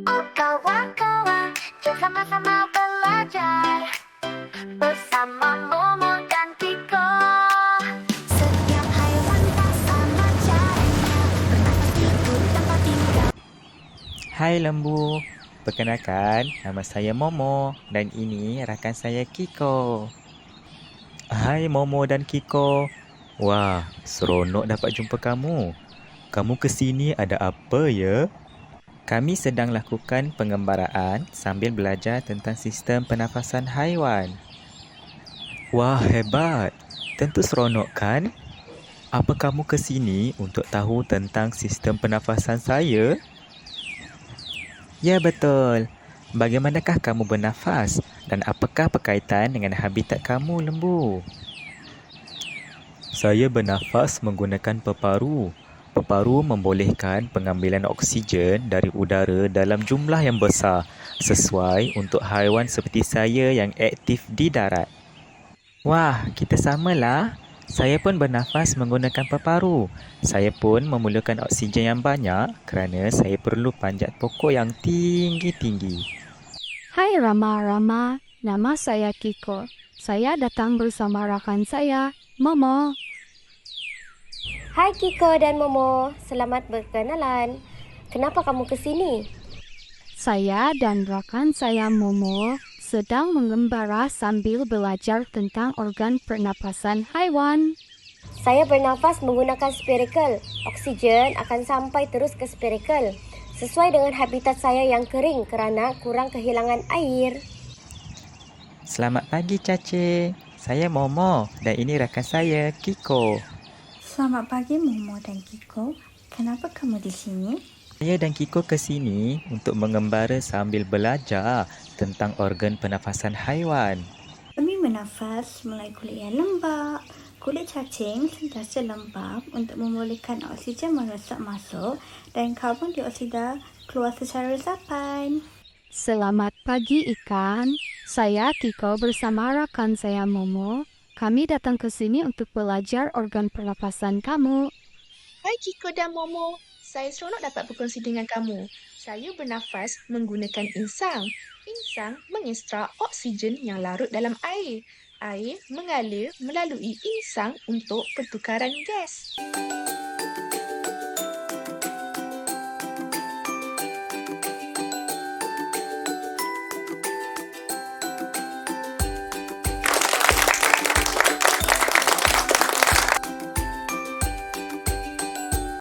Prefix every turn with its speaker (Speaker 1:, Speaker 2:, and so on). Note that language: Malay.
Speaker 1: Oh kawan-kawan, jom sama-sama belajar bersama Momo dan Kiko. Setiap haiwan tak sama caranya, bernafas hidup tanpa tingkah.
Speaker 2: Hai lembu, perkenalkan nama saya Momo dan ini rakan saya Kiko. Hai Momo dan Kiko. Wah, seronok dapat jumpa kamu. Kamu ke sini ada apa ya? Kami sedang lakukan pengembaraan sambil belajar tentang sistem pernafasan haiwan. Wah, hebat. Tentu seronok kan? Apa kamu ke sini untuk tahu tentang sistem pernafasan saya? Ya, betul. Bagaimanakah kamu bernafas dan apakah berkaitan dengan habitat kamu, lembu? Saya bernafas menggunakan peparu. Peparu membolehkan pengambilan oksigen dari udara dalam jumlah yang besar sesuai untuk haiwan seperti saya yang aktif di darat. Wah, kita samalah. Saya pun bernafas menggunakan peparu. Saya pun memerlukan oksigen yang banyak kerana saya perlu panjat pokok yang tinggi-tinggi.
Speaker 3: Hai Rama, nama saya Kiko. Saya datang bersama rakan saya, Momo.
Speaker 4: Hai Kiko dan Momo, selamat berkenalan. Kenapa kamu ke sini?
Speaker 3: Saya dan rakan saya Momo sedang mengembara sambil belajar tentang organ pernapasan haiwan.
Speaker 4: Saya bernafas menggunakan spiracle. Oksigen akan sampai terus ke spiracle. Sesuai dengan habitat saya yang kering kerana kurang kehilangan air.
Speaker 2: Selamat pagi, Cace. Saya Momo dan ini rakan saya, Kiko.
Speaker 5: Selamat pagi Momo dan Kiko. Kenapa kamu di sini?
Speaker 2: Saya dan Kiko ke sini untuk mengembara sambil belajar tentang organ pernafasan haiwan.
Speaker 5: Kami bernafas mulai kulit yang lembab. Kulit cacing sentiasa lembab untuk membolehkan oksigen meresap masuk dan karbon dioksida keluar secara resapan.
Speaker 3: Selamat pagi ikan. Saya Kiko bersama rakan saya Momo. Kami datang ke sini untuk belajar organ pernapasan kamu.
Speaker 6: Hai Kiko dan Momo, saya seronok dapat berkongsi dengan kamu. Saya bernafas menggunakan insang. Insang mengekstrak oksigen yang larut dalam air. Air mengalir melalui insang untuk pertukaran gas.